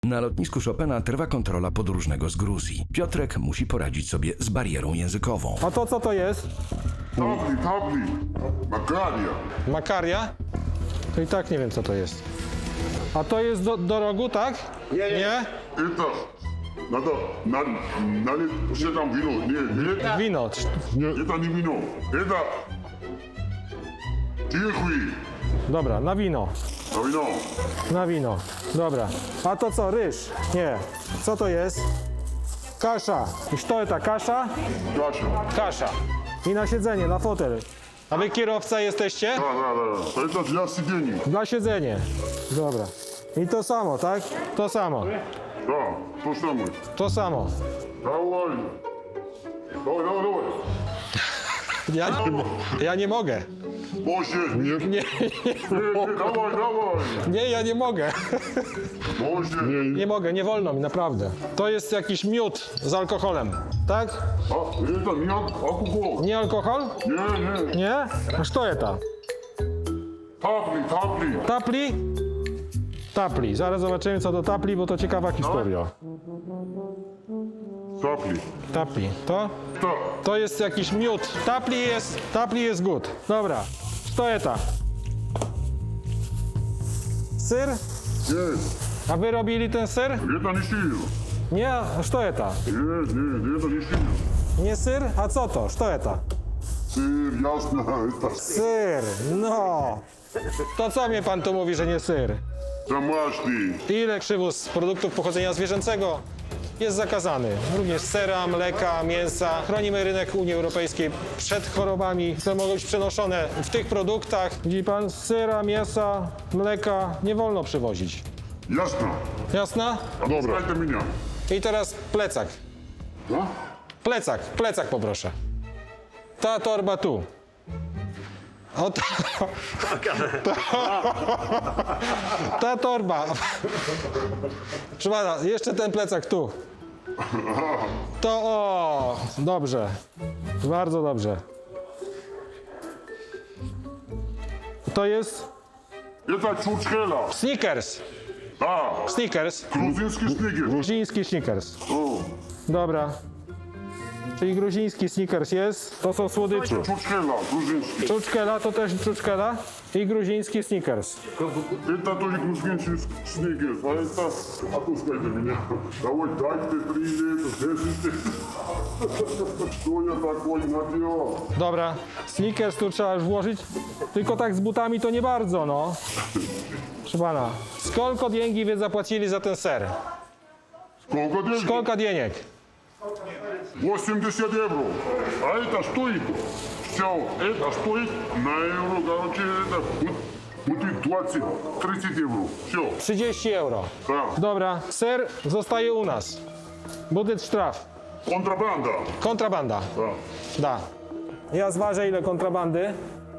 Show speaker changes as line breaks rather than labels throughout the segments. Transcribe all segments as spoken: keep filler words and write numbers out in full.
Na lotnisku Chopina trwa kontrola podróżnego z Gruzji. Piotrek musi poradzić sobie z barierą językową.
A to co to jest?
Tabli, tabli, Makaria.
Makaria? To i tak nie wiem co to jest. A to jest do, do rogu, tak? Nie, nie.
Это надо на, налить, что там вино? Не, нет,
Wino.
это не вино. Это тихий,
Dobra, na wino.
а вино.
Na wino. Dobra. A to co? Ryż? Nie. Co to jest? Kasza. I co to kasza?
Каша.
Kasza. I na siedzenie, na fotel. A wy kierowca jesteście?
Да, да, да. Это для сидения.
Na siedzenie. Dobra. I to samo, tak? To samo.
Да, то самое.
To samo.
Давай. Давай, давай, давай.
Ja nie, ja nie mogę.
Позже. Нет,
Nie,
нет, давай, давай.
nie, ja nie mogę.
Позже.
Nie mogę, nie wolno mi, naprawdę. To jest jakiś miód z alkoholem, tak?
А, это не алкоголь.
Nie alkohol?
Не, не.
Nie? A co jest to?
Табли, табли.
Tapli? Tapli. Zaraz zobaczymy co to tapli, bo to ciekawa historia.
Табли.
Tapli. To?
Да.
To jest jakiś miód. Tapli jest, tapli jest good. Dobra. Co jest to? Syr?
Нет,
A wy robili ten syr?
это не сыр.
Nie, a co jest to?
Нет, нет, это не сыр.
Nie syr? A co to? Co jest to?
Сыр, ясно, это
Syr, no. To co mnie pan tu mówi, że nie syr?
домашний.
Ile przywóz produktów pochodzenia zwierzęcego jest zakazany. Również sera, mleka, mięsa. Chronimy rynek Unii Europejskiej przed chorobami, które mogą być przenoszone w tych produktach. Widzi pan, sera, mięsa, mleka nie wolno przywozić.
Ясно.
Jasna?
Добро. Это меня.
I teraz plecak.
Да?
Plecak, plecak poproszę. Ta torba tu. O ta, ta, ta torba. Proszę pana, jeszcze ten plecak tu. To o, dobrze. Bardzo dobrze. To jest
Это чурчхела.
Snickers.
Да.
Snickers.
Грузинский снегер.
Gruziński Snickers.
О,
Dobra. Czyli gruziński Snickers jest. To są słodycze.
чурчхела, грузинский.
Czuczkela to też czuczkela i gruziński Snickers.
Это тоже грузинский снегер. А это... Отпускайте меня. Давай, дай ты привет. Держите. Что я такой наделал?
Dobra, Snickers tu trzeba już włożyć, tylko tak z butami to nie bardzo, no. Proszę pana, skolko diengi wy zapłacili za ten ser?
Сколько денег?
Skolka dieniek?
восемьдесят евро. А это стоит? Все, это стоит на евро, короче, это будет, будет двадцать тридцать евро. Все,
trzydzieści euro.
да.
Dobra, ser zostaje u nas. Budyt sztraf.
Контрабанда.
Kontrabanda.
Да.
Da. Ja zważę ile kontrabandy.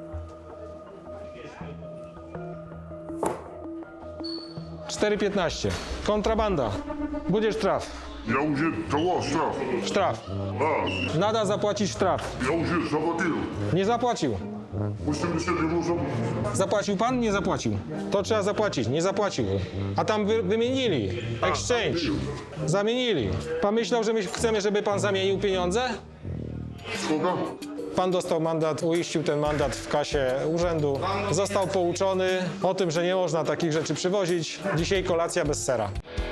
cztery piętnaście. Kontrabanda. Budyt sztraf.
Я уже давал штраф.
Sztraf.
Да,
Nada zapłacić sztraf.
я уже заплатил.
Nie zapłacił.
восемьдесят евро за...
Zapłacił pan? Nie zapłacił. To trzeba zapłacić. Nie zapłacił. A tam wy, wymienili. Exchange. Zamienili. Pan myślał, że my chcemy, żeby pan zamienił pieniądze?
Сколько?
Pan dostał mandat, uiścił ten mandat w kasie urzędu. Został pouczony o tym, że nie można takich rzeczy przywozić. Dzisiaj kolacja bez sera.